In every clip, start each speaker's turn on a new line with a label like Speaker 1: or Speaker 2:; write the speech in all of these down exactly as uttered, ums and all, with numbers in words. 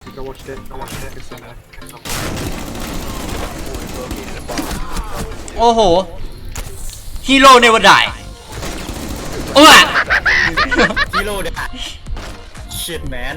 Speaker 1: I watched it. I watched it. It's somewhere.
Speaker 2: โอ้โหฮีโร่เนวดายโอ้ย
Speaker 3: ฮีโร่เด็กชิตแมน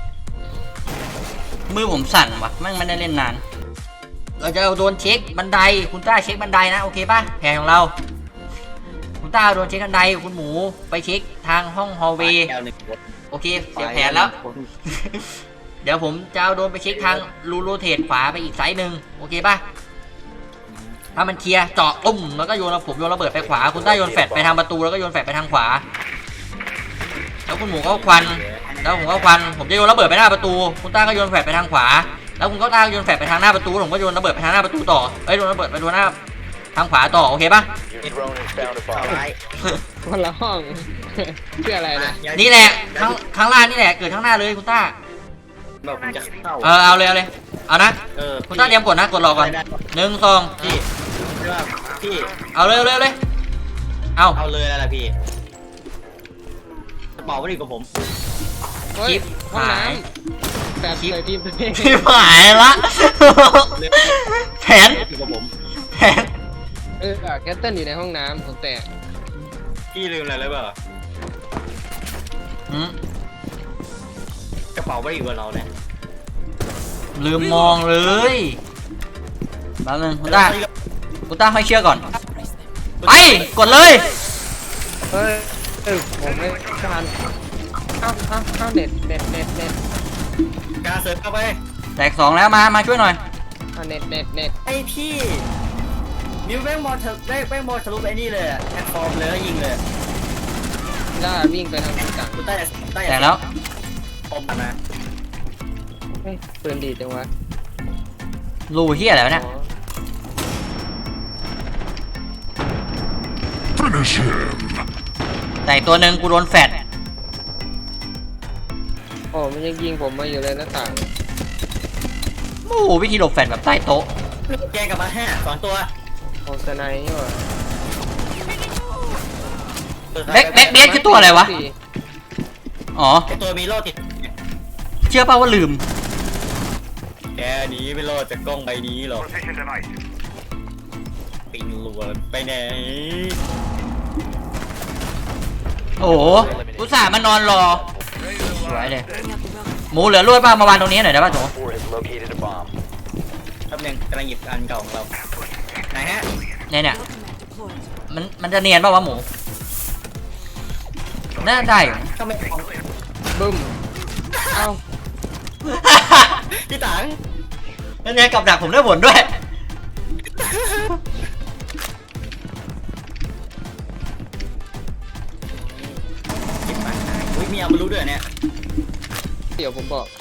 Speaker 2: มือผมสั่นวะแม่งไม่ได้เล่นนานเราจะเอาโดนเช็คบันไดคุณต้าเช็คบันไดนะโอเคป่ะแผนของเราคุณต้าโดนเช็คบันไดคุณหมูไปเช็คทางห้องฮอลเวย์โอเคเสียแผนแล้ว เดี๋ยวผมจะเอาโดนไปเช็คทางรูโรเทตขวาไปอีกไซส์หนึ่งโอเคป่ะถ้ามันเคลียร์เจาะตุ้มแล้วก็โยนผมโยนระเบิดไปขวาคุณต้าโยนแฟลชไปทางประตูแล้วก็โยนแฟลชไปทางขวาแล้วคุณหมูก็ควันแล้วผมก็ควันผมจะโยนระเบิดไปหน้าประตูคุณต้าก็โยนแฟลชไปทางขวาแล้วคุณก็ต้าโยนแฟลชไปทางหน้าประตูผมก็โยนระเบิดไปทางหน้าประตูต่อเอ้ยโยนระเบิดไปโดนหน้าทางขวาต่อโอเคป่ะ
Speaker 4: คนละห้อง ชื่ออะไรนะ
Speaker 2: นี่แหละข้างข้างล่างนี่แหละเกิดข้างหน้าเลยคุณต้า
Speaker 3: แบบผมจะเข้า
Speaker 2: เออเอาเลยเอาเลยเอานะ
Speaker 3: เออ
Speaker 2: คุณต้าเตรียมกดนะกดรอก่อนหนึ่งสอง
Speaker 3: พี่ใช่ป่ะพี่
Speaker 2: เอาเลยเอาเลยเอาเลยเอา
Speaker 3: เอาเลยอะไรพี่กระเป๋าไม่ดีกว่าผม
Speaker 4: เฮ้ย
Speaker 2: คลิป
Speaker 4: ห้อง
Speaker 2: หาย
Speaker 4: น้ำแบบใส่ทีมตัวเอง
Speaker 2: ที่หายละแผน
Speaker 3: ดีกว่าผม
Speaker 2: แผน
Speaker 4: เออแคทเทิลอยู่ในห้องน้ำผมแตก
Speaker 3: พี่ลืมอะไรเลยเปล่า
Speaker 2: หืม
Speaker 3: กระเป๋าไม่ดีกว่าเราเนี่ย
Speaker 2: ลืมมองเลยแป๊บนึงคุณต้าคุณต้าให้เชื่อก่อนไปกดเลย
Speaker 4: เฮ้ยเออผมไม่ทันเอ้าเอ้าเอ้าเน็ตเน็ตเน็ตเน็ต
Speaker 3: การเสิร์ฟเข้าไป
Speaker 2: แตกสองแล้วมามาช่วยหน่อย
Speaker 4: เอาเน็ตเน็ตเน็ต
Speaker 3: ไอพี่มิวแม่งบอลเถอะแม่งแม่งบอลทะลุไปไอ้นี่เลยแอดฟอร์มเลยแล้วยิงเลย
Speaker 4: ล่าวิ่งไปทางต่าง
Speaker 3: คุณใต้ใต้
Speaker 2: แตกแล้ว
Speaker 3: ปมนะ
Speaker 4: เฮ้ยปืนดีจังวะ
Speaker 2: รูเฮียอะไรวะเนี่ย
Speaker 4: อ๋อ
Speaker 5: Finish him.
Speaker 2: แต่อีกตัวหนึ่งกูโดนแฟด
Speaker 4: โอ้มันยังยิงผมมาอยู่เลยหน้าต่าง
Speaker 2: โอ้โหวิธีหลบแฟดแบบใต้โต๊ะ
Speaker 3: แกงกลับมาห้าสองตัว
Speaker 4: โอ้สไนด์นี่หว่า
Speaker 2: แบ็คแบ็คเบสคือตัวอะไรวะ
Speaker 4: สี่
Speaker 2: อ๋อ
Speaker 3: ไอตัวมีโล่ติด
Speaker 2: เชื่อป่าว่าลืม
Speaker 3: แกหนีไม่รอดจากกล้องใบนี้หรอกปิงลัวไปไหน
Speaker 2: โอ้โหอุตส่าห์มานอนรอสวยเลยหมูเหลือรวดป่ะมาวางตรงนี้หน่อยได้ป่ะโถ
Speaker 3: แป๊บนึงกำลังหยิบอันเก่าของเราไหนฮะ
Speaker 2: เนี่ยเนี่ยมันมันจะเนียนป่ะวะหมูน่าได้อยู่
Speaker 3: ก็ไม่ของ
Speaker 4: บึ้มเอ้า
Speaker 3: พี่ตัง
Speaker 2: นั่นไงกับดักผมได้ผลด้วย
Speaker 3: หยิบมาอุ้ยมีเอามารู้ด้วยเนี่ย
Speaker 4: เดี๋ยวผมบอก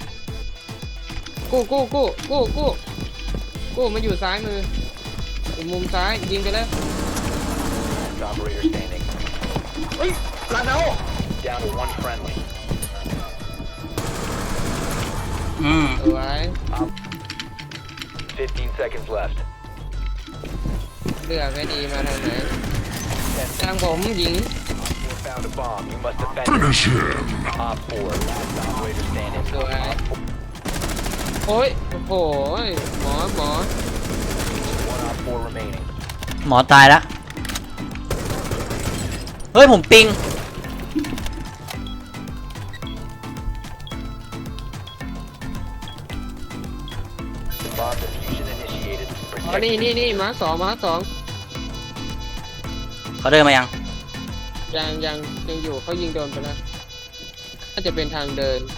Speaker 4: กู้กู้กู้กู้กู้กู้มันอยู่ซ้ายมืออยู่มุมซ้ายยิงไปแล้ว
Speaker 6: Operator standing.
Speaker 3: เฮ้ยลาดเอา
Speaker 6: Down to one friendly.
Speaker 2: อืม
Speaker 4: สวย
Speaker 6: Fifteen seconds left.
Speaker 4: เลือกให้ดีมาทางไหนทางผมหญิง
Speaker 6: Op four found a bomb. You must defend it.
Speaker 5: Finish him.
Speaker 6: Op four, last operator standing.
Speaker 4: สวยโอ้ยโอ้โหหมอหมอ
Speaker 6: One op four remaining.
Speaker 2: หมอตายแล้วเฮ้ยผมปิง
Speaker 6: Bomb diffusion initiated.
Speaker 4: อ๋อนี่นี่นี่มาร์คสองมาร์คสอง
Speaker 2: เขาเดินมายัง
Speaker 4: ยังยังยังอยู่เขายิงโดนไปแล้วน่าจะเป็นทางเดิน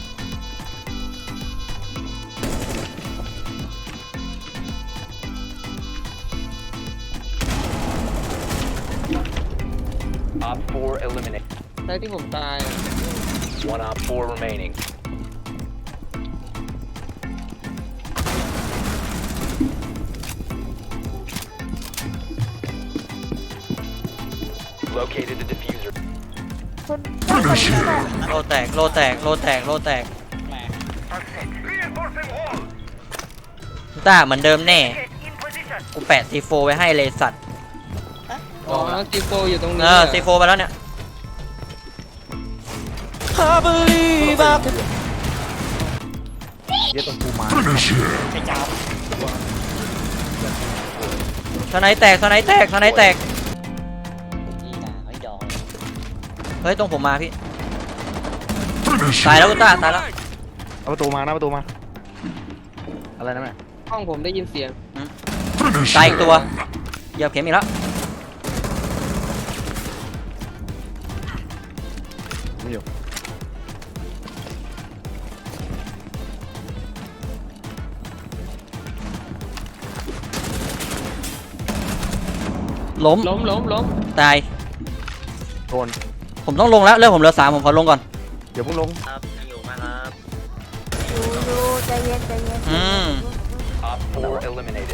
Speaker 6: Op four eliminated.
Speaker 4: ใช่ที่ผมตายอ่ะ
Speaker 6: One op four remaining. Located the diffuser.
Speaker 5: Finish him.
Speaker 2: โลแตกโลแตกโลแตกโลแตกต้าเหมือนเดิมแน่กูแปะซีโฟไว้ให้เลยสัตว์
Speaker 4: อ๋อซีโฟอยู่ตรงนี้
Speaker 2: เออซีโฟไปแล้วเนี่ย I believe I can
Speaker 4: เยอะตรงกูมา
Speaker 5: Finish him.
Speaker 3: ไอ้จ้า
Speaker 2: สไนแตกสไนแตกสไนแตก
Speaker 3: นี่นะไอ้ดอก
Speaker 2: เฮ้ยตรงผมมาพี่
Speaker 5: Finish
Speaker 2: ตายแล้ว
Speaker 5: him.
Speaker 2: คุณต้าตายแล้ว
Speaker 4: เอาประตูมาหน้าประตูมาอะไรนะแม่ห้องผมได้ยินเสียง
Speaker 5: Finish
Speaker 2: ตายอีกตัว
Speaker 5: him.
Speaker 2: เหยียบเข็มอีกแล้ว
Speaker 4: ไม่อยู่
Speaker 2: ล้ม
Speaker 4: ล้มล้มล้ม
Speaker 2: ตาย
Speaker 4: โดน
Speaker 2: ผมต้องลงแล้วเรื่องผมเหลือสามผมขอลงก่อน
Speaker 4: เดี๋ยวเพิ่งลง
Speaker 3: ครับอยู่มาครับ
Speaker 5: ดูดูใจเย็นใจเย็น
Speaker 2: อืม
Speaker 6: Op four eliminated.